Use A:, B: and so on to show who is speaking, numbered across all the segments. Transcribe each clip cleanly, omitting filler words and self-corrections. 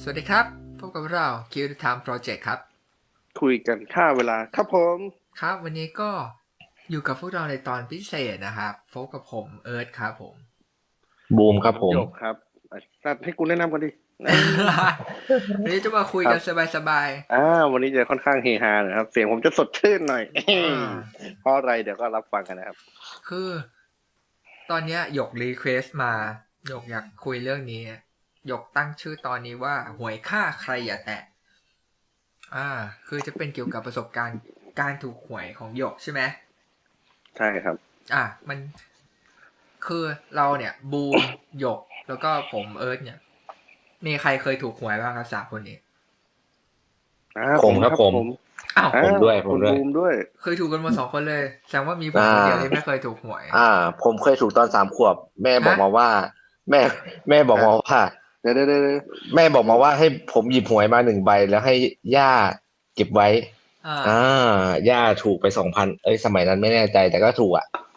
A: สวัสดีครับพบกับเรา Kill the Time Project ครับ
B: คุยกันค่าเวลาครับผม
A: ครับวันนี้ก็อยู่กับพวกเราในตอนพิเศษนะครับพบกับผมเอิร์ธครับผม
C: บูมครับผม
B: โยกครับให้กูแนะนำกันดิ
A: วันนี้จะมาคุยกันสบาย
B: วันนี้จะค่อนข้างเฮฮาหน่อยครับ เสียงผมจะสดชื่นหน่อย เพราะอะไรเดี๋ยวก็รับฟังกันนะครับ
A: คือตอนนี้หยกรีเควสมาหยกอยากคุยเรื่องนี้หยกตั้งชื่อตอนนี้ว่าหวยค่าใครอย่าแตะคือจะเป็นเกี่ยวกับประสบการณ์การถูกหวยของหยกใช่ไหม
B: ใช่ครับ
A: มันคือเราเนี่ยบูมหยกแล้วก็ผมเอิร์ธเนี่ยมีใครเคยถูกหวยบ้างครับ3 คนนี้
C: ผมครับผมผมด้วย
B: คุณบูมด้วย
A: เคยถูกกันหมด2 คนเลยแสดงว่ามีผมคนเดียวที่ไม่เคยถูกหวย
C: ผมเคยถูกตอน3 ขวบแม่บอกมาว่าแม่บอกมาว่า
B: เดี๋ยว
C: แม่บอกมาว่าให้ผมหยิบหวยมา1 ใบแล้วให้ย่าเก็บไว้ย่าถูกไป 2,000สมัยนั้นไม่แน่ใจแต่ก็ถูก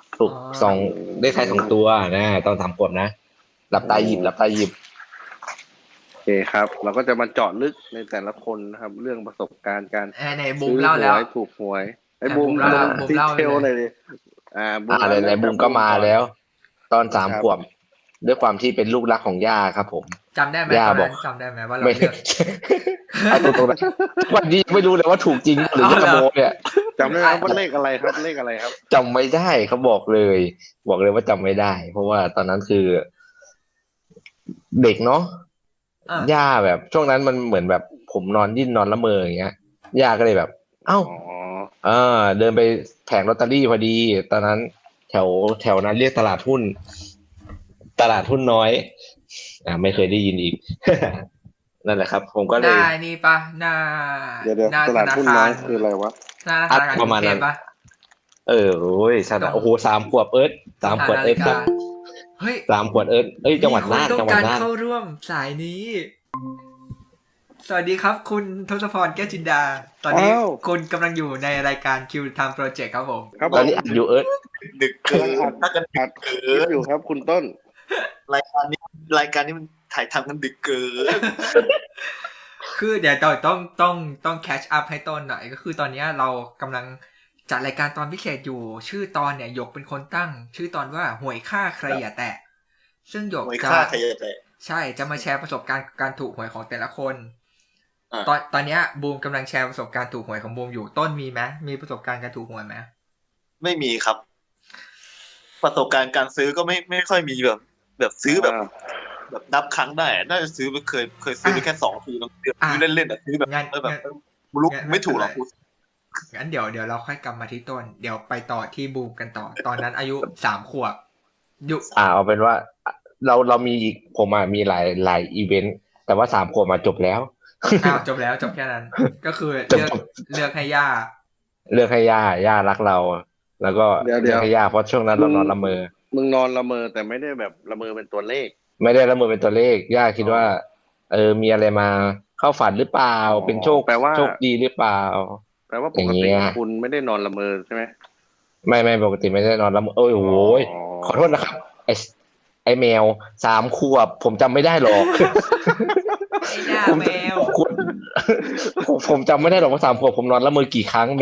C: 2ได้ท้าย2 ตัวนะตอน3 ขวบนะหลับตาหยิบ
B: โอเคครับเราก็จะมาเจาะลึกในแต่ละคนนะครับเรื่องประสบการณ์การ
A: ในบูมเล่าแล้ว
B: ถูกหวยบูมดีเทลเลยดิ
C: ในบูมก็มาแล้วตอน3 ขวบด้วยความที่เป็นลูกรักของย่าครับผม
A: จำได้ไหมตอนนั้นจำได้ไหมว่าเราเลือก
C: ตรงนั้นวันนี้ไม่รู้เลยว่าถูกจริงหรือขโมยเนี่ย
B: จำได้ไหมว่าเลขอะไรครับ
C: จำไม่ได้เขาบอกเลยว่าจำไม่ได้ เพราะว่าตอนนั้นคือเด็กเนาะย่าแบบช่วงนั้นมันเหมือนแบบผมนอนดิ้นนอนละเมออย่างเงี้ยย่าก็เลยแบบเดินไปแผงลอตเตอรี่พอดีตอนนั้นแถวนั้นเรียกตลาดหุ้นน้อยไม่เคยได้ยินอีก นั่นแหละครับผมก็เลย
A: นี่ปะ
B: เดี๋ยวตลาดหุ้นน้อยคืออะไรวะ
C: ประมาณนั้นโอ้โห3 ขวบ3 ขวบครับ
A: เฮ้ย
C: 3 ขวบจังหวัดน่าน
A: เข้าร่วมสายนี้สวัสดีครับคุณทศพรแก้วจินดาตอนนี้คุณกำลังอยู่ในรายการ Kill Time Project ครับผม
C: ตอนนี้อัดอยู่
B: ดึกเกินอัดอยู่ครับคุณต้น
D: รายการนี้มันถ่ายทำกันดึกเกิน
A: คือเดี๋ยวต้องแคชอัพให้ต้นหน่อยก็คือตอนนี้เรากำลังจัดรายการตอนพิเศษอยู่ชื่อตอนเนี่ยหยกเป็นคนตั้งชื่อตอนว่าหวยค่าใครอย่าแตะซึ่งหยกจะใช่จะมาแชร์ประสบการณ์การถูกหวยของแต่ละคนตอนนี้บูมกำลังแชร์ประสบการณ์ถูกหวยของบูมอยู่ต้นมีไหมมีประสบการณ์การถูกหวยไหม
D: ไม่มีครับประสบการณ์การซื้อก็ไม่ค่อยมีแบบซื้อแบบนับครั้งได้น่าจะซื้อเคยซื้อไปแค่2 ทีซื้อเล่นๆซื้อแบบลุกไม่ถูกหรอก
A: งั้นเดี๋ยวเราค่อยกลับมาที่ต้นเดี๋ยวไปต่อที่บูมกันต่อตอนนั้นอายุ3 ขวบ
C: เอาเป็นว่าเรามีอีกผมมีหลายอีเวนต์แต่ว่า3 ขวบมาจบแล้ว
A: จบแค่นั้นก็คือเลือกให้ย่า
C: รักเราแล้วก็เลือกให้ย่าเพราะช่วงนั้นเรานอนละเมอ
B: มึงนอนละเมอแต่ไม่ได้แบบละเมอเป็นตัวเลข
C: ไม่ได้ละเมอเป็นตัวเลขย่าคิดว่ามีอะไรมาเข้าฝันหรือเปล่าเป็นโชคดีหรือเปล่า
B: แปลว่าปกติคุณไม่ได้นอนละเมอใช่ไหม
C: ไม่ปกติไม่ได้นอนละเมอโอ้โหขอโทษนะครับไอแมว3 ขวบผมจำไม่ได้หรอก
A: แมว
C: ผมจำไม่ได้หรอกว่า3 ขวบผมนอนละเมอกี่ครั้งแหม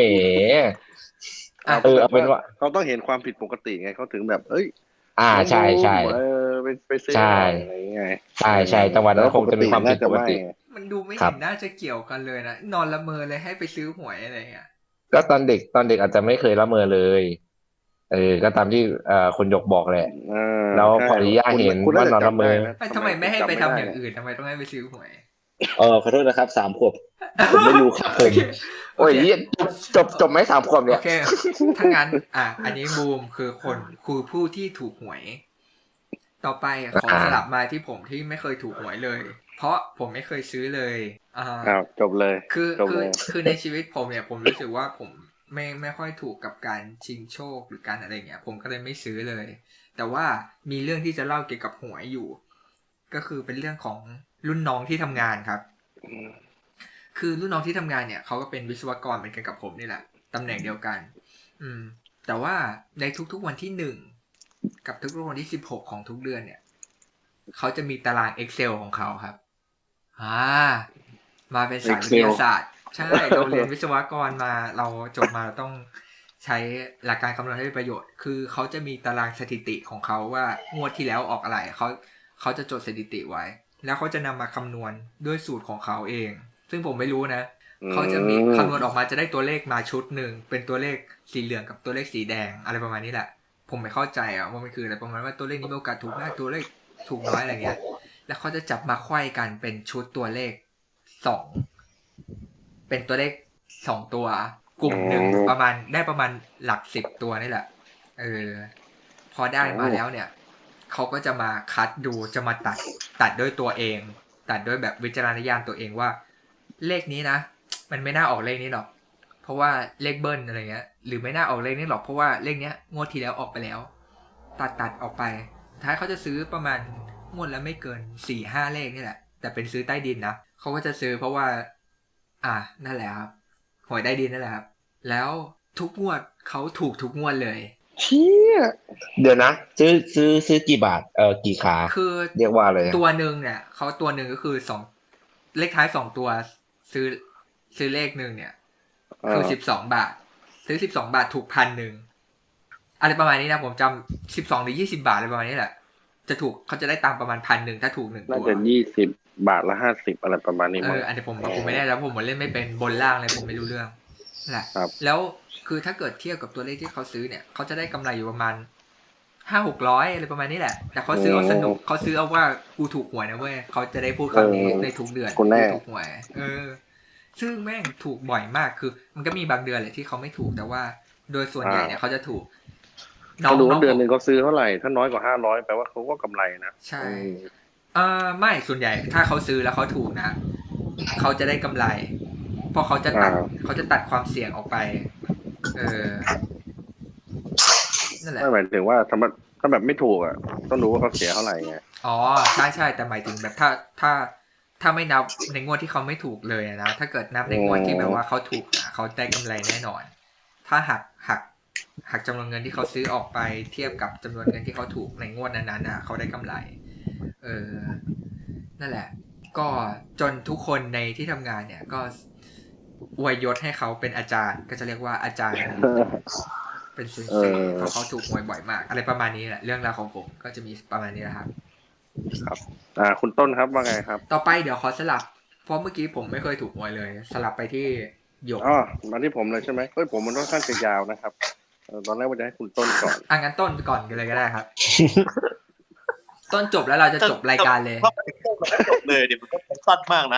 C: เอาเป็นว่า
B: เขาต้องเห็นความผิดปกติไงเขาถึงแบบ
C: ใช่
B: ไปซื้ออะไรไง
C: ใช่จังหวัดนั้นคงจะมีความผิดปกติ
A: มันดูไม่เห็นน่าจะเกี่ยวกันเลยนะนอนละเมอเลยให้ไปซื้อหวยอะไรเงี้ย
C: ก็ตอนเด็กอาจจะไม่เคยละเมอเลยก็ตามที่คนยกบอกแหละแล้วพอดีย่าเห็นว่านอนละเมอ
A: ทำไมไม่ให้ไปทำอย่างอื่นทำไมต้องให้ไปซื้อหวย
C: ขอโทษนะครับ3 ขวบผมไม่รู้ครับผมโอ้ยจบไหม3 ขวบเนี่ย
A: โอเคถ้างั้นอันนี้บูมคือผู้ที่ถูกหวยต่อไปขอสลับมาที่ผมที่ไม่เคยถูกหวยเลยเพราะผมไม่เคยซื้อเลย
B: จบเลย
A: คือในชีวิตผมเนี่ยผมรู้สึกว่าผมไม่ค่อยถูกกับการชิงโชคหรือการอะไรเงี้ยผมก็เลยไม่ซื้อเลยแต่ว่ามีเรื่องที่จะเล่าเกี่ยวกับหวยอยู่ก็คือเป็นเรื่องของรุ่นน้องที่ทำงานครับคือรุ่นน้องที่ทำงานเนี่ยเขาก็เป็นวิศวกรเหมือนกันกับผมนี่แหละตำแหน่งเดียวกันแต่ว่าในทุกๆวันที่1กับทุกๆวันที่16ของทุกเดือนเนี่ยเขาจะมีตาราง Excel ของเขาครับอ่ามาเป็นสายวิทยาศาสตร์ใช่เราเรียนวิศวกรมาเราจบมาเราต้องใช้หลักการคำนวณให้เป็นประโยชน์คือเขาจะมีตารางสถิติของเขาว่างวดที่แล้วออกอะไรเขาจะจดสถิติไว้แล้วเขาจะนำมาคำนวณด้วยสูตรของเขาเองซึ่งผมไม่รู้นะเขาจะมีคำนวณออกมาจะได้ตัวเลขมาชุดหนึ่งเป็นตัวเลขสีเหลืองกับตัวเลขสีแดงอะไรประมาณนี้แหละผมไม่เข้าใจว่ามันคืออะไรประมาณว่าตัวเลขนี้มีโอกาสถูกมากตัวเลขถูกน้อยอะไรเงี้ยแล้วเขาจะจับมาไขว้กันเป็นชุดตัวเลข2เป็นตัวเลข2ตัวกลุ่มหนึ่งประมาณหลัก10ตัวนี่แหละพอได้มาแล้วเนี่ยเขาก็จะมาคัดดูจะมาตัดด้วยตัวเองตัดด้วยแบบวิจารณญาณตัวเองว่าเลขนี้นะมันไม่น่าออกเลขนี้หรอกเพราะว่าเลขเบิ้ลอะไรเงี้ยหรือไม่น่าออกเลขนี้หรอกเพราะว่าเลขเนี้ยงวดที่แล้วออกไปแล้วตัดออกไปท้ายเขาจะซื้อประมาณงวดละไม่เกิน 4-5 เลขนี่แหละแต่เป็นซื้อใต้ดินนะเขาก็จะซื้อเพราะว่านั่นแหละครับหวยใต้ดินนั่นแหละครับแล้วทุกงวดเขาถูกทุกงวดเลย
B: เชี่ย
C: เดี๋ยวนะซื้อกี่บาทกี่ขา
A: คือ
C: เรียกว่าอะไร
A: ตัวหนึ่งเนี่ยเขาตัวหนึ่งก็คือ2เลขท้าย2ตัวซื้อเลขหนึ่งเนี่ยคือ12 บาทซื้อ12 บาทถูก 1,000อะไรประมาณนี้นะผมจำ12หรือ20 บาทอะไรประมาณนี้แหละจะถูกเขาจะได้ตังค์ประมาณ 1,000ถ้าถูก1ตัว
B: น่าจะ20 บาทละ50อะไรประมาณนี้มั้ง
A: อันนี้ผมไม่ได้แล้วผมเล่นไม่เป็นบนล่างเลยผมไม่รู้เรื่องแหละแล้วคือถ้าเกิดเทียบกับตัวเลขที่เขาซื้อเนี่ยเขาจะได้กำไรอยู่ประมาณ500-600อะไรประมาณนี้แหละแต่เขาซื้อเอาสนุกเขาซื้อเอาว่ากูถูกหวยนะเว้ยเขาจะได้พูดคำนี้ในทุกเดือนกูถูกหวยซึ่งแม่งถูกบ่อยมากคือมันก็มีบางเดือนแหละที่เขาไม่ถูกแต่ว่าโดยส่วนใหญ่เนี่ยเขาจะถูก
B: น้องเดือนนึงเขาซื้อเท่าไหร่ถ้าน้อยกว่า500แปลว่าเขาก็กำไรนะ
A: ใช่ไม่ส่วนใหญ่ถ้าเขาซื้อแล้วเขาถูกนะเขาจะได้กำไรเพราะเขาจะตัดความเสี่ยงออกไปนั่นแหละ
B: ไม่หมายถึงว่าถ้าแบบไม่ถูกต้องรู้ว่าเขาเสียเท่าไหร่ไง
A: อ๋อใช่แต่หมายถึงแบบถ้าไม่นับในงวดที่เขาไม่ถูกเลยนะถ้าเกิดนับในงวดที่แบบว่าเขาถูกเขาได้กำไรแน่นอนถ้าหักจำนวนเงินที่เขาซื้อออกไปเทียบกับจำนวนเงินที่เขาถูกในงวดนั้นๆเขาได้กำไรนั่นแหละก็จนทุกคนในที่ทำงานเนี่ยก็อวยยศให้เขาเป็นอาจารย์ก็จะเรียกว่าอาจารย์เป็นเซนเซเพราะเขาถูกหวยบ่อยมากอะไรประมาณนี้แหละเรื่องราวของผมก็จะมีประมาณนี้แหละครับ
B: ครับคุณต้นครับว่าไงครับ
A: ต่อไปเดี๋ยวขอสลับเพราะเมื่อกี้ผมไม่เคยถูกหวยเลยสลับไปที่หยก
B: มาที่ผมเลยใช่ไหมผมมันค่อนข้างจะยาวนะครับตอนแรกว่าจะให้คุณต้นก่อน
A: งั้นต้นก่อนกันเลยก็ได้ครับต้นจบแล้วเราจะจบรายการเลย
D: ถ้าไปต้นมันจบเลยเดี๋ยวมันก็สั้นมากนะ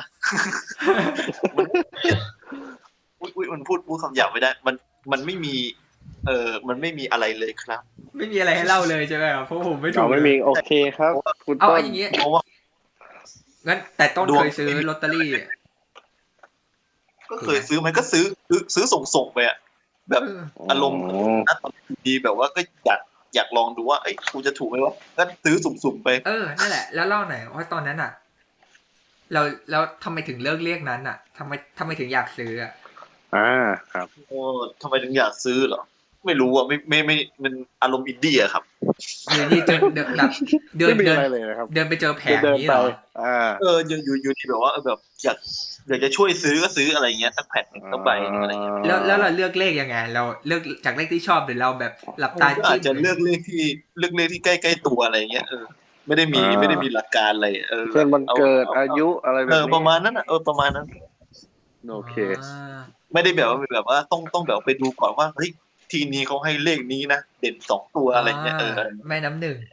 D: มันพูดคำหยาบไม่ได้มันไม่มีมันไม่มีอะไรเลยครับ
A: ไม่มีอะไรให้เล่าเลยใช่ไหมครับเพราะผมไม่ถูก
B: ไม่มีโอเคครับคุณต้น
A: อย่างนี้งั้นแต่ต้นเคยซื้อลอตเตอรี่
D: ก็เคยซื้อมันก็ซื้อส่งไปแบบอารมณ์นัดดีแบบว่าก็อยากลองดูว่ากูจะถูกไหมวะก็ซื้อสุ่มๆไป
A: นั่นแหละแล้วเล่าหน่อยว่าตอนนั้นแล้วทำไมถึงเลิกเรียกนั้นทำไมถึงอยากซื้อ
B: ครับ
D: ทำไมถึงอยากซื้อเหรอไม่รู้ไม่มันอารมณ์อินดี้ครับ
A: นี่เดินไปเจอแผงนี้เหร
B: อ
D: อยู่ที่แบบว่าแบบอยากจะช่วยซื้อก็ซื้ออะไรเงี้ยสักแผ่นสักใบอะไรเงี้ย
A: แล้วเราเลือกเลขยังไงเราเลือกจากเลขที่ชอบหรือเราแบบหลับตา
D: อาจจะเลือกเลขที่ใกล้ๆตัวอะไรเงี้ยไม่ได้มีหลักการอะไร
B: เช่นวันเกิดอายุอะไรแบบ
D: นี้ประมาณนั้นประมาณนั้น
B: โอเค
D: ไม่ได้แบบว่าต้องแบบไปดูก่อนว่าเฮ้ยทีนี้เขาให้เลขนี้นะเด่น2ตัวอะไรเงี้ย
A: แม่น้ำหนึ่ง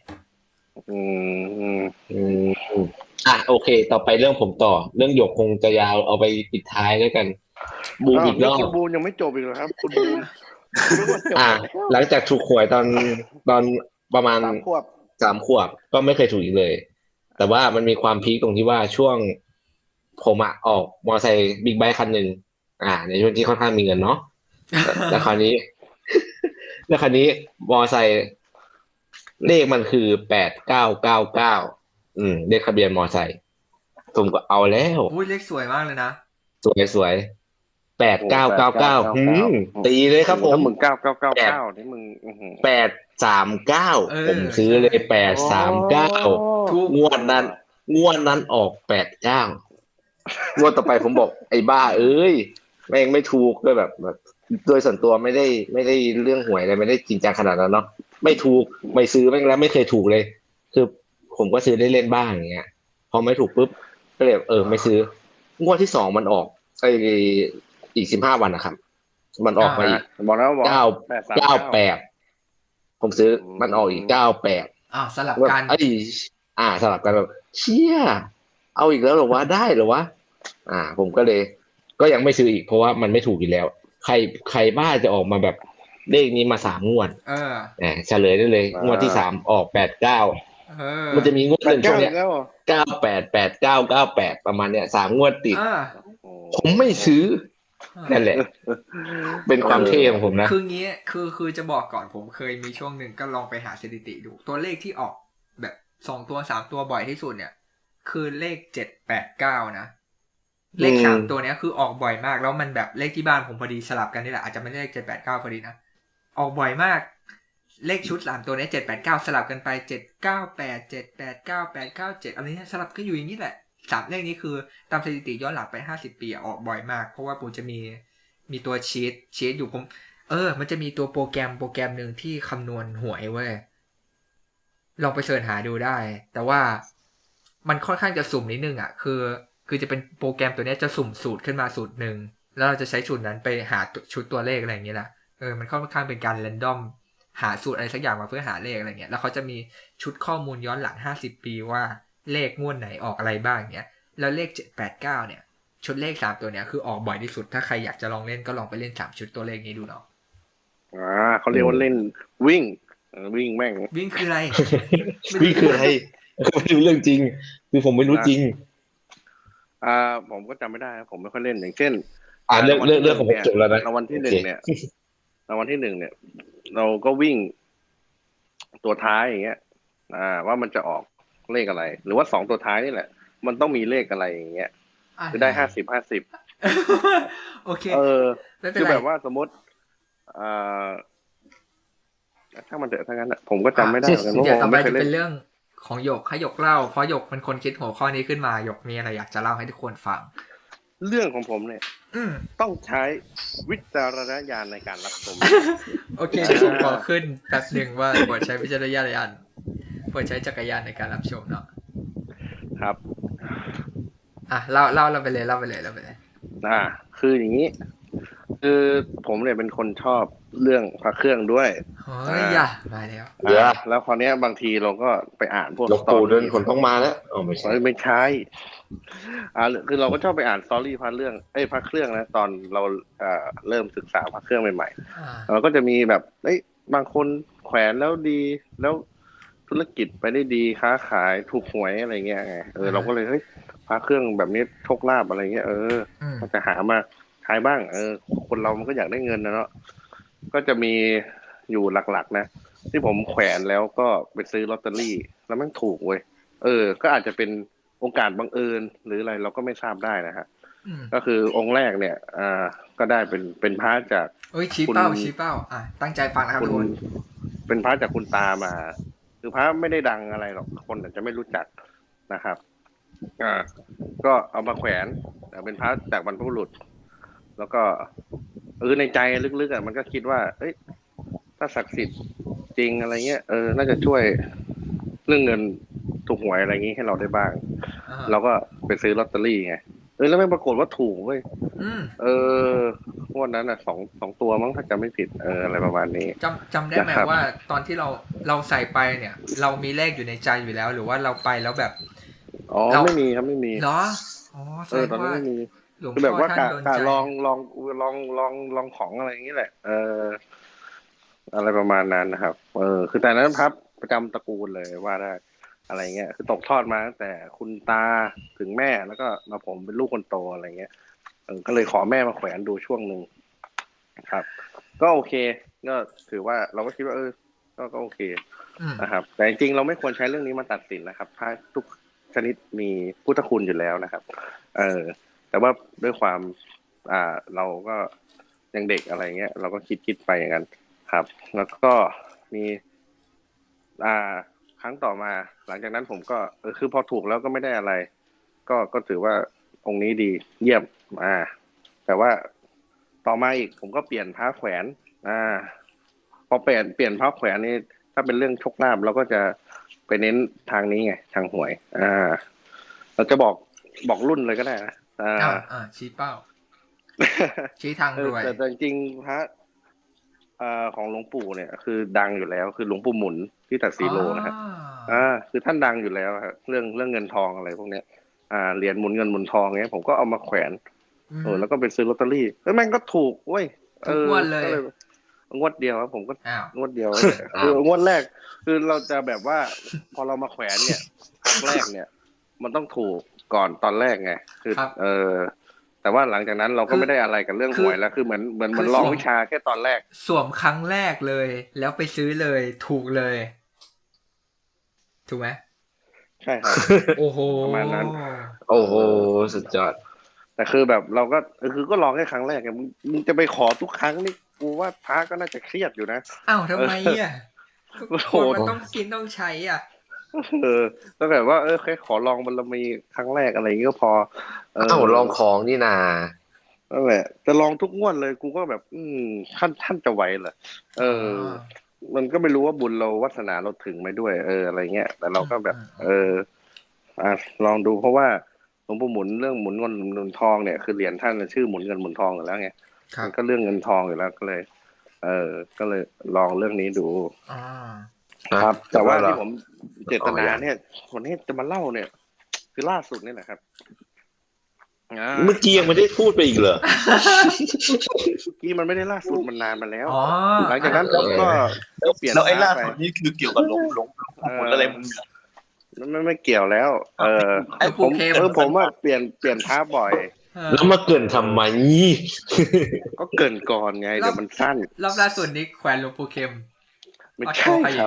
C: โอเคต่อไปเรื่องผมต่อเรื่องหยกคงจะยาวเอาไปปิดท้ายด้วยกันบูมอีกรอบ
B: คุณบูมยังไม่จบอีกเหรอครับคุณบูม
C: หลังจากถูกหวยตอนประมาณ3 ขวบก็ไม่เคยถูกอีกเลยแต่ว่ามันมีความพีคตรงที่ว่าช่วงผมออกมอเตอร์ไซค์บิ๊กไบค์คันหนึ่งในช่วงที่ค่อนข้างมีเงินเนาะแล้วคราวนี้มอเตอร์ไซค์เลขมันคือ8999เลขทะเบียนมอไซค์ผมก็เอาแล้ว
A: เลขสวยมากเลยนะ
C: สวย8999ตีเลยครับผม
B: มึง9999นี่มึง
C: 839ผมซื้อเลย839งวดนั้นออก89 งวดต่อไปผมบอกไอ้บ้าเอ้ยแม่งไม่ถูกด้วยแบบโดยส่วนตัวไม่ได้เรื่องหวยอะไรไม่ได้จริงจังขนาดนั้นเนาะไม่ถูกไม่ซื้อแม่งแล้วไม่เคยถูกเลยคือผมก็ซื้อได้เล่นบ้างอย่างเงี้ยพอไม่ถูกปุ๊บก็เลยไม่ซื้องวดที่สองมันออกไออีก15 วันนะครับมันออกมาอีก
B: บอกแล้วบอก
C: เก้า 98ผมซื้อมันออกอีก98
A: สลับ
C: แบบ
A: กัน
C: สลับกันแบบเชี่ยเอาอีกแล้วเหรอวะได้เหรอวะผมก็เลยก็ยังไม่ซื้ออีกเพราะว่ามันไม่ถูกอีกแล้วใครบ้าจะออกมาแบบเลขนี้มา3 งวดเฉลยได้เลยงวดที่3ออก89มันจะมีงวดหนึ่งช่วงเนี้ย988998ประมาณเนี้ย3 งวดติดผมไม่ซื้อนั่นแหละเป็นความเท่ของผมนะ
A: คืองี้คือจะบอกก่อนผมเคยมีช่วงหนึ่งก็ลองไปหาสถิติดูตัวเลขที่ออกแบบ2 ตัว3 ตัวบ่อยที่สุดเนี่ยคือเลข789นะเลข3 ตัวเนี้ยคือออกบ่อยมากแล้วมันแบบเลขที่บ้านผมพอดีสลับกันนี่แหละอาจจะไม่ได้เลข789พอดีนะออกบ่อยมากเลขชุด3 ตัวนี้789สลับกันไป798 789 897อะไรนี้สลับก็อยู่อย่างนี้แหละ3 เลขนี้คือตามสถิติย้อนหลังไป50 ปีออกบ่อยมากเพราะว่าผมจะมีตัวชีตอยู่ผมมันจะมีตัวโปรแกรมหนึ่งที่คำนวณหวยเว้ยลองไปเสิร์ชหาดูได้แต่ว่ามันค่อนข้างจะสุ่มนิดนึงอ่ะคือจะเป็นโปรแกรมตัวนี้จะสุ่มสูตรขึ้นมาสูตรหนึ่งแล้วเราจะใช้สูตรนั้นไปหาชุดตัวเลขอะไรอย่างเงี้ยแหละมันค่อนข้างเป็นการแรนดอมหาสูตรอะไรสักอย่างมาเพื่อหาเลขอะไรเงี้ยแล้วเขาจะมีชุดข้อมูลย้อนหลัง50 ปีว่าเลขงวดไหนออกอะไรบ้างเงี้ยแล้วเลข789เนี่ยชุดเลข3 ตัวเนี้ยคือออกบ่อยที่สุดถ้าใครอยากจะลองเล่นก็ลองไปเล่น3 ชุดตัวเลขนี้ดูเนาะ
B: เขาเรียกว่าเล่นวิ่งแม่ง
A: วิ่งคืออะไร
C: วิ่งคืออะไรไม่รู้เรื่องจริงคือผมไม่รู้จริง
B: ผมก็จำไม่ได้ผมไม่ค่อยเล่นอย่างเช่น
C: เรื่องของผมจบแล้วนะ
B: รางวัลที่1เนี่ยรางวัลที่1เนี่ยเราก็วิ่งตัวท้ายอย่างเงี้ยว่ามันจะออกเลขอะไรหรือว่า2 ตัวท้ายนี่แหละมันต้องมีเลขอะไรอย่างเงี้ยจะได้50
A: โอเค
B: คือแบบว่าสมมติถ้ามันเถอะทั้งนั้นผมก็จำไม่ได้เหมือนกันเพราะผมไม่เคยเล่น
A: เป็นเรื่องของหยกให้หยกเล่าเพราะหยกเป็นคนคิดหัวข้อนี้ขึ้นมาหยกมีอะไรอยากจะเล่าให้ทุกคนฟัง
B: เรื่องของผมเนี่ยต้องใช้วิจารณญาณในการรับชม
A: โอเคเดี๋ยวผมขอขึ้นแป๊บหนึ่งว่าโปรดใช้วิจารณญาณโปรดใช้จักรยานในการรับชมเนาะ
B: ครับ
A: เล่าไปเลย
B: คืออย่างนี้คือผมเนี่ยเป็นคนชอบเรื่องพระเครื่องด้วย
A: มาแล้ว
B: แล้วคราวนี้บางทีเราก็ไปอ่านพวก
C: สตอรี่คนต้องมาแล้ว
B: ไม่ใช่คือเราก็ชอบไปอ่านสตอรี่พระเครื่องนะตอนเราเริ่มศึกษาพระเครื่องใหม่ๆเราก็จะมีแบบบางคนแขวนแล้วดีแล้วธุรกิจไปได้ดีค้าขายถูกหวยอะไรเงี้ยไงเราก็เลยพระเครื่องแบบนี้โชคลาภอะไรเงี้ยก็จะหามาขายบ้างคนเรามันก็อยากได้เงินนะเนาะก็จะมีอยู่หลักๆนะที่ผมแขวนแล้วก็ไปซื้อลอตเตอรี่แล้วมันถูกเว้ยก็อาจจะเป็นโอกาสบังเอิญหรืออะไรเราก็ไม่ทราบได้นะฮะก็คือองค์แรกเนี่ยก็ได้เป็นพระจาก
A: ชี้เป้าตั้งใจฟังนะครับทุกคน
B: เป็นพระจากคุณตามาคือพระไม่ได้ดังอะไรหรอกคนอาจจะไม่รู้จักนะครับก็เอามาแขวนเป็นพระจากบรรพบุรุษแล้วก็ในใจลึกๆมันก็คิดว่าถ้าศักดิ์สิทธิ์จริงอะไรเงี้ยน่าจะช่วยเรื่องเงินถูกหวยอะไรงี้ให้เราได้บ้างเราก็ไปซื้อลอตเตอรี่ไงแล้วไม่ปรากฏว่าถูกเว้ยงวดนั้นสองตัวมั้งถ้าจำไม่ผิดอะไรประมาณนี้
A: จำได้ไหมว่าตอนที่เราใส่ไปเนี่ยเรามีเลขอยู่ในใจอยู่แล้วหรือว่าเราไปแล้วแบบ
B: ไม่มีครับไม่มี
A: เหรอ
B: ตอนนั้นไม่มีคือแบบว่ากะลองของอะไรอย่างนี้แหละอะไรประมาณนั้นนะครับคือแต่นั้นพับประจำตระกูลเลยว่าได้อะไรเงี้ยคือตกทอดมาตั้งแต่คุณตาถึงแม่แล้วก็มาผมเป็นลูกคนโตอะไรเงี้ยก็เลยขอแม่มาแขวนดูช่วงหนึ่งครับ ก็โอเคก็ถือว่าเราก็คิดว่าก็โอเคนะครับแต่จริงๆเราไม่ควรใช้เรื่องนี้มาตัดสินนะครับถ้าทุกชนิดมีพุทธคุณอยู่แล้วนะครับแต่ว่าด้วยความเราก็ยังเด็กอะไรเงี้ยเราก็คิดไปอย่างนั้นครับแล้วก็มีครั้งต่อมาหลังจากนั้นผมก็คือพอถูกแล้วก็ไม่ได้อะไรก็ถือว่าองค์นี้ดีเยี่ยมแต่ว่าต่อมาอีกผมก็เปลี่ยนพระแขวนพอเปลี่ยนพระแขวนนี่ถ้าเป็นเรื่องโชคลาภเราก็จะไปเน้นทางนี้ไงทางหวยเราจะบอกรุ่นเลยก็ได้นะ
A: ชี้เป้า ชี้ทางรวย
B: แต่จริงๆพระของหลวงปู่เนี่ยคือดังอยู่แล้วคือหลวงปู่หมุนที่ตัดสีโลนะครับคือท่านดังอยู่แล้วครับเรื่องเงินทองอะไรพวกเนี้ยเหรียญหมุนเงินหมุนทองเงี้ยผมก็เอามาแขวนแล้วก็ไปซื้อลอตเตอรี่แล้วแม่งก็ถูกเว้ย
A: ทุกงวดเลย
B: งวดเดียวครับผมก็งวดเดียวคืองวดแรกคือเราจะแบบว่าพอเรามาแขวนเนี่ยครั้งแรกเนี่ยมันต้องถูกก่อนตอนแรกไงคือแต่ว่าหลังจากนั้นเราก็ไม่ได้อะไรกับเรื่องหวยแล้วคือเหมือนลองวิชาแค่ตอนแรก
A: สวมครั้งแรกเลยแล้วไปซื้อเลยถูกเลยถูกไหม
B: ใช่ครับ
A: โอ้โห
B: ประมาณนั้น
C: โอ้โหสุดยอด
B: แต่คือแบบเราก็คือก็ลองแค่ครั้งแรกไงมึงจะไปขอทุกครั้งนี่กูว่าพระก็น่าจะเครียดอยู่นะ
A: อ้าวทำไมอ่ะคนมันต้องกินต้องใช้อ่ะ
B: ก็แบบว่าแค่ขอลองบารมีครั้งแรกอะไรอย่างงี้ก็พอ
C: ลองของนี่นา
B: นั่นแหละจะลองทุกงวดเลยกูก็แบบท่านจะไหวเหรอมันก็ไม่รู้ว่าบุญเราวาสนาเราถึงไหมด้วยอะไรเงี้ยแต่เราก็แบบลองดูเพราะว่าหลวงปู่หมุนเรื่องหมุนเงินหมุนทองเนี่ยคือเหรียญท่านชื่อหมุนเงินหมุนทองอยู่แล้วไงมันก็เรื่องเงินทองอยู่แล้วก็เลยก็เลยลองเรื่องนี้ดูครับแต่ว่าที่ผมเจตนาเนี่ยวันนี้จะมาเล่าเนี่ยคือล่าสุดนี่แหละครับ
C: เมื่อกี้ยังไม่ได้พูดไปอีกเหรอ
B: เมื่อกี้มันไม่ได้ล่าสุดมันนานมาแล้วหลังจากนั้นก็เปลี่ยน
D: แล้วไอ้ล่าสุดนี้คือเกี่ยวกับหลวงอะไรมึง
B: ไม่เกี่ยวแล้วผมว่าเปลี่ยนท้าบ่อย
C: แล้วมาเกินทำไม
B: ก็เกินก่อนไงเดี๋ยวมันสั้น
A: รอบล่าสุดนี้แขวนหลวงปู่เข็ม
B: ไม่ใช่ครับ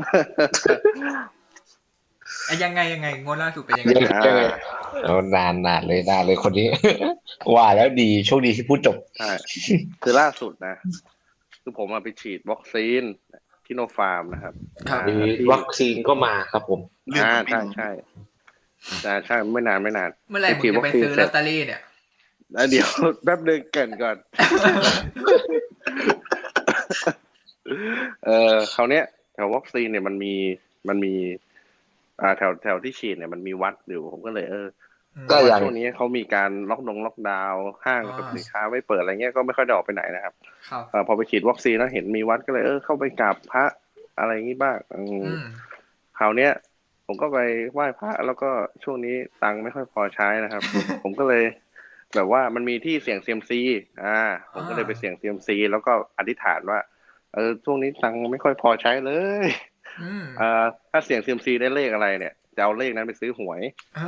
A: ยังไงงวดล่าสุดเป็นยังไง
C: นานเลยคนนี้ว่าแล้วดีโชคดีที่พูดจบ
B: ใช่คือล่าสุดนะคือผมไปฉีดวัคซีนที่โนฟาร์มนะครับ
C: วัคซีนก็มาครับผม
B: ใช่ไม่นาน
A: เมื่อไหร่มึงจะไปซื้อลอตเตอรี่เนี่ย
B: เดี๋ยวแป๊บนึงเกินก่อนคราวเนี้ยแถววัคซีนเนี่ยมันมีแถวที่ฉีดเนี่ยมันมีวัดอยู่ผมก็เลยก็อย่างช่วงนี้เขามีการล็อกดาวน์ห้างกับสินค้าไม่เปิดอะไรเงี้ยก็ไม่ค่อยได้ออกไปไหนนะครับพอไปฉีดวัคซีนแล้วเห็นมีวัดก็เลยเข้าไปกราบพระอะไรอย่างงี้บ้างคราวเนี้ยผมก็ไปไหว้พระแล้วก็ช่วงนี้ตังค์ไม่ค่อยพอใช้นะครับ ผมก็เลยแบบว่ามันมีที่เสี่ยงเซียมซีผมก็เลยไปเสี่ยงเซียมซีแล้วก็อธิษฐานว่าช่วงนี้ตังค์ไม่ค่อยพอใช้เลยถ้าเสี่ยงเซียมซีได้เลขอะไรเนี่ยจะเอาเลขนั้นไปซื้อหวย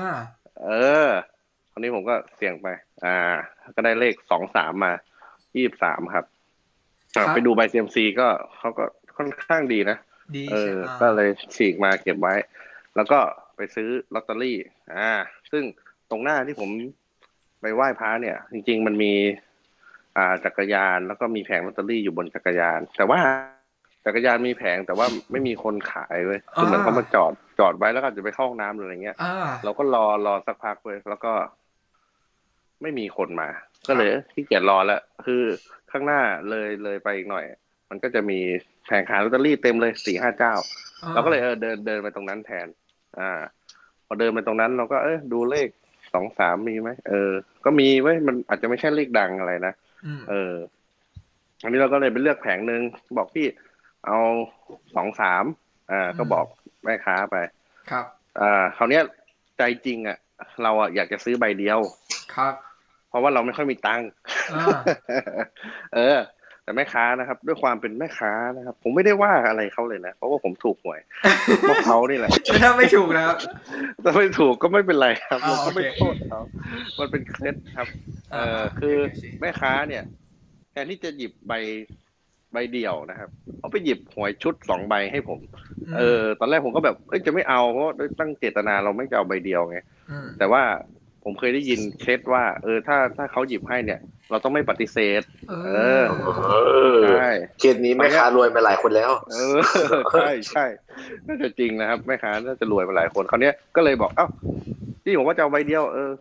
B: คราวนี้ผมก็เสี่ยงไปก็ได้เลข23มา23ครับไปดูใบเซียมซีก็เขาก็ค่อนข้างดีนะก็เลยฉีกมาเก็บไว้แล้วก็ไปซื้อลอตเตอรี่ซึ่งตรงหน้าที่ผมไปไหว้พระเนี่ยจริงๆมันมีจักรยานแล้วก็มีแผงลอตเตอรี่อยู่บนจักรยานแต่ว่าจักรยานมีแผงแต่ว่าไม่มีคนขายเลยคือเหมือนเขามาจอดไว้แล้วก็จะไปเข้าห้องน้ำหรืออะไรเงี้ยเราก็รอสักพักเลยแล้วก็ไม่มีคนมาก็เลยขี้เกียจรอแล้วคือข้างหน้าเลยไปอีกหน่อยมันก็จะมีแผงขายลอตเตอรี่เต็มเลย 4-5 เจ้าเราก็เลยเดินไปตรงนั้นแทนพอเดินไปตรงนั้นเราก็ดูเลข23มีไหมก็มีไว้มันอาจจะไม่ใช่เลขดังอะไรนะอันนี้เราก็เลยไปเลือกแผงนึงบอกพี่เอา23ก็บอกแม่ค้าไป
A: ครับ
B: คราวเนี้ยใจจริงเราอยากจะซื้อใบเดียว
A: ครับ
B: เพราะว่าเราไม่ค่อยมีตังค์แต่แม่ค้านะครับด้วยความเป็นแม่ค้านะครับผมไม่ได้ว่าอะไรเขาเลยนะเพราะว่าผมถูกหวยเพราะเขานี่แหละ
A: ถ้าไม่ถูกแล้ว
B: ถ้าไม่ถูกก็ไม่เป็นไรครับเราก็ไม่โทษเขามันเป็นเคล็ดครับคือแม่ค้าเนี่ยแทนที่จะหยิบใบเดี่ยวนะครับเขาไปหยิบหวยชุด2ใบให้ผมตอนแรกผมก็แบบจะไม่เอาเพราะตั้งเจตนาเราไม่จะเอาใบเดียวไงแต่ว่าผมเคยได้ยินเคล็ดว่าถ้าเขาหยิบให้เนี่ยเราต้องไม่ปฏิเสธใช่
C: เคสนี้แม่ค้ารวยมาหลายคนแล้ว
B: ใช่น่าจะจริงนะครับแม่ค้าน่าจะรวยมาหลายคนคราวนี้ก็เลยบอกที่ผมว่าจะเอาใบเดียวเขา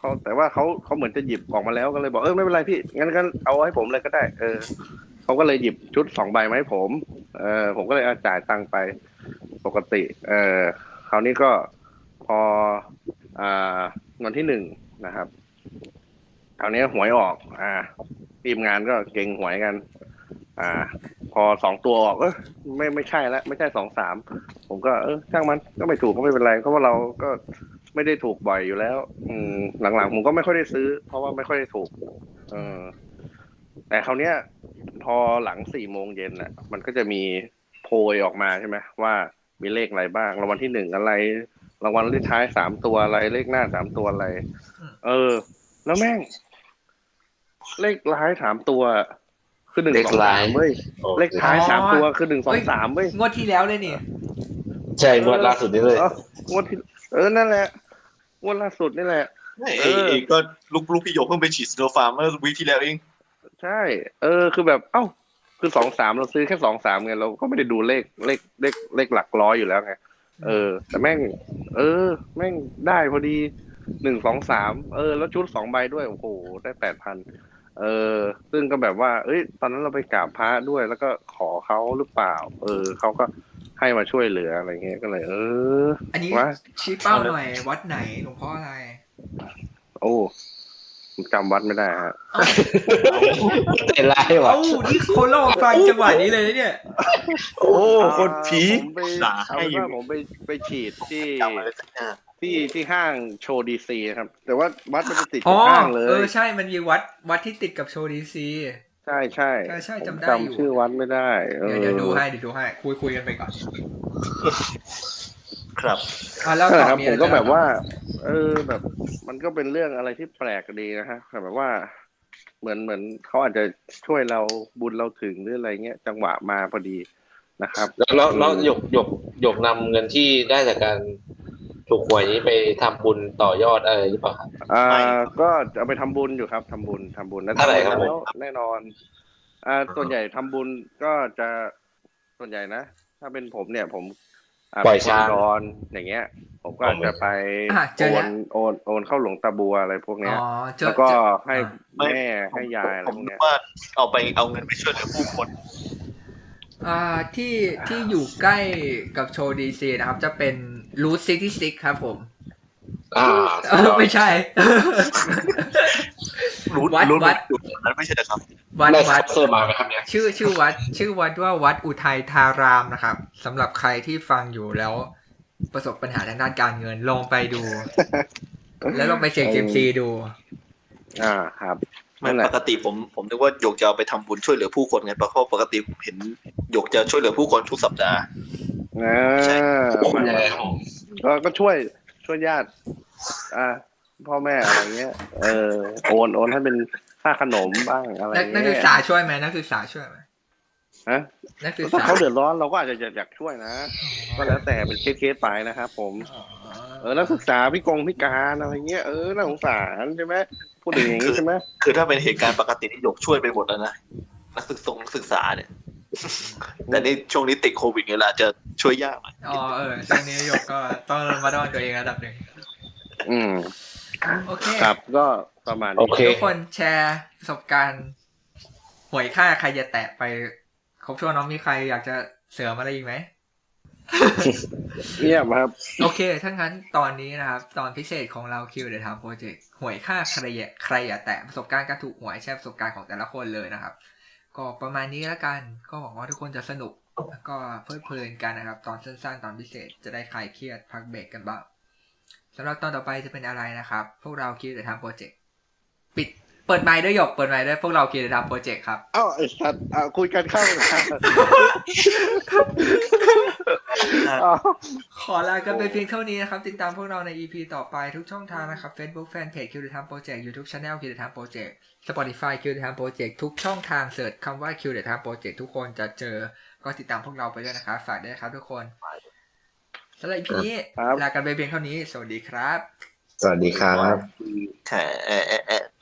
B: เขาแต่ว่าเขาเหมือนจะหยิบออกมาแล้วก็เลยบอกไม่เป็นไรพี่งั้นเอาให้ผมเลยก็ได้เขาก็เลยหยิบชุด2 ใบมาให้ผมผมก็เลยจ่ายตังค์ไปปกติคราวนี้ก็พอวันที่1นะครับคราวนี้หวยออกทีมงานก็เก่งหวยกันพอ2 ตัวออกไม่ใช่แล้วไม่ใช่2-3ผมก็ช่างมันก็ไม่ถูกก็ไม่เป็นไรเพราะว่าเราก็ไม่ได้ถูกบ่อยอยู่แล้วหลังๆผมก็ไม่ค่อยได้ซื้อเพราะว่าไม่ค่อยได้ถูกแต่คราวเนี้ยพอหลัง4 โมงเย็นน่ะมันก็จะมีโพยออกมาใช่ไหมว่ามีเลขอะไรบ้างรางวัลที่1อะไรรางวัลเลขท้าย3 ตัวอะไรเลขหน้า3 ตัวอะไรแล้วแม่งเลขท้าย3 ตัวคือ1 2 3เว้ยเลขท้าย3 ตัวคือ1 2 3เว้ย
A: งวดที่แล้วเลยนี่
C: ใช่งวดล่าสุดนี่เลย
B: งวดที่นั่นแหละงวดล่าสุดนี่แหละ
D: ก็ลูกพี่โยเพิ่งไปฉีดซิโนฟาร์มเมื่อวีคที่แล้วเอง
B: ใช่คือแบบคือ2-3เราซื้อแค่2-3ไงเราก็ไม่ได้ดูเลขหลักร้อยอยู่แล้วไงแต่แม่งแม่งได้พอดี1-2-3แล้วชุด2 ใบด้วยโอ้โหได้ 8,000ซึ่งก็แบบว่าตอนนั้นเราไปกราบพระด้วยแล้วก็ขอเขาหรือเปล่าเขาก็ให้มาช่วยเหลืออะไรเงี้ยก็เลย
A: อันนี้ชี้เป้าหน่อยวัดไหนหลวงพ่ออะไร
B: โอ้จำวัดไม่ได้ฮะ
C: ใจร้ายว่ะ
A: นี่เขาลองฟังจังหวะนี้เลยเนี่ย
C: คนผี
B: ผมไปฉีดที่ห้างโชว์ดีซีครับแต่ว่าวัดมันจะติดกับห้างเลย
A: ใช่มันมีวัดที่ติดกับโชว์ดีซี
B: ใช่จำได้อยู่ชื่อวัดไม่ได้
A: เดี๋ยวดูให้คุยกันไปก่อน
D: ครับ
B: แล้วครับผมก็แบบว่าแบบมันก็เป็นเรื่องอะไรที่แปลกดีนะฮะแบบว่าเหมือนเขาอาจจะช่วยเราบุญเราถึงหรืออะไรเงี้ยจังหวะมาพอดีนะครับ
C: แล้วหยกนำเงินที่ได้จากการถูกหวยนี้ไปทำบุญต่อยอดอะไรหรือเปล่าครับ
B: ก็จะเอาไปทำบุญอยู่ครับทำบุญ
C: แล้วเท่าไหร่ครับ
B: แน่นอนส่วนใหญ่ทำบุญก็จะส่วนใหญ่นะถ้าเป็นผมเนี่ยผม
C: ปล่อยช้าง
B: อย่างเงี้ยผมก็จะไปโอนเข้าหลวงตาบัวอะไรพวกเนี้ยแล้วก็ให้แม่ให้ยายอะไรพวกเนี้ย
D: ว่าเอาเงินไปช่วยเหลือผู้คน
A: ที่อยู่ใกล้กับโชว์ดีซีนะครับจะเป็นรูท66ครับผมไม่ใช่
D: วัดนั้นไม่ใช่นะครับ
A: วัด
C: เสื้อมาไหมครับเนี่ย
A: ชื่อวัดว่าวัดอุทัยธารามนะครับสำหรับใครที่ฟังอยู่แล้วประสบปัญหาทางด้านการเงินลองไปดูแล้วลองไปเช็คซีดู
B: ครับ
D: ไม่ปกติผมนึกว่าหยกจะเอาไปทำบุญช่วยเหลือผู้คนไงเพราะปกติผมเห็นหยกจะช่วยเหลือผู้คนทุกสัปดาห์
B: ใช่ก็ช่วยญาติพ่อแม่อะไรเงี้ยโอนให้เป็นค่าขนมบ้างอะไรเงี้ย
A: นักศึกษาช่วยไหมนักศึกษาช่วยไหมนักศึกษา
B: ถ้าเขาเดือดร้อนเราก็อาจจะอยากช่วยนะก็แล้วแต่เป็นเคสไปนะครับผมนักศึกษาพิการอะไรเงี้ยน่าสงสารใช่ไหมพูดอย่างนี้ใช่ไหม
D: คือถ้าเป็นเหตุการณ์ปกติที่หยกช่วยไปหมดแล้วนะนักศึกษาเนี่ยแต่ในช่วงนี้ติดโควิดเนี่ยเราจะช่วยยากหน่อย
A: ช่วงนี้หยกก็ต้องมาดอนตัวเองระดับหนึ่งโอเค
B: ครับก็ประมาณนี้
A: ทุกคนแชร์ประสบการณ์หวยค่าใครจะแตะไปครบช่วงน้องมีใครอยากจะเสริมอะไรอีกไหม
B: เงียบครับ
A: โอเคถ้างั้นตอนนี้นะครับตอนพิเศษของเรา Q The Time Project หวยค่าใครอย่าแตะประสบการณ์การถูกหวยแชร์ประสบการณ์ของแต่ละคนเลยนะครับก็ประมาณนี้แล้วกันก็หวังว่าทุกคนจะสนุกแล้วก็เพลิดเพลินกันนะครับตอนสั้นๆตอนพิเศษจะได้คลายเครียดพักเบรกกันบ้างสำหรับตอนต่อไปจะเป็นอะไรนะครับพวกเรา Q The Time Project เปิดไมค์ด้วยหยกเปิดไมค์ด้วยพวกเรา Q The Time Project ครับ
B: ไอ้สัตว์คุยกันเข้า
A: ขอลากันไปเพียงเท่านี้นะครับติดตามพวกเราใน EP ต่อไปทุกช่องทางนะครับ Facebook Fanpage Q The Time Project YouTube Channel Q The Time Project Spotify Q The Time Project ทุกช่องทางเสิร์ชคำว่า Q The Time Project ทุกคนจะเจอก็ติดตามพวกเราไปด้วยนะครับฝากด้วยนะครับทุกคนสำหรับ EP นี้ลากันไปเพียงเท่านี้สวัสดีครับ
C: สวัสดีครับ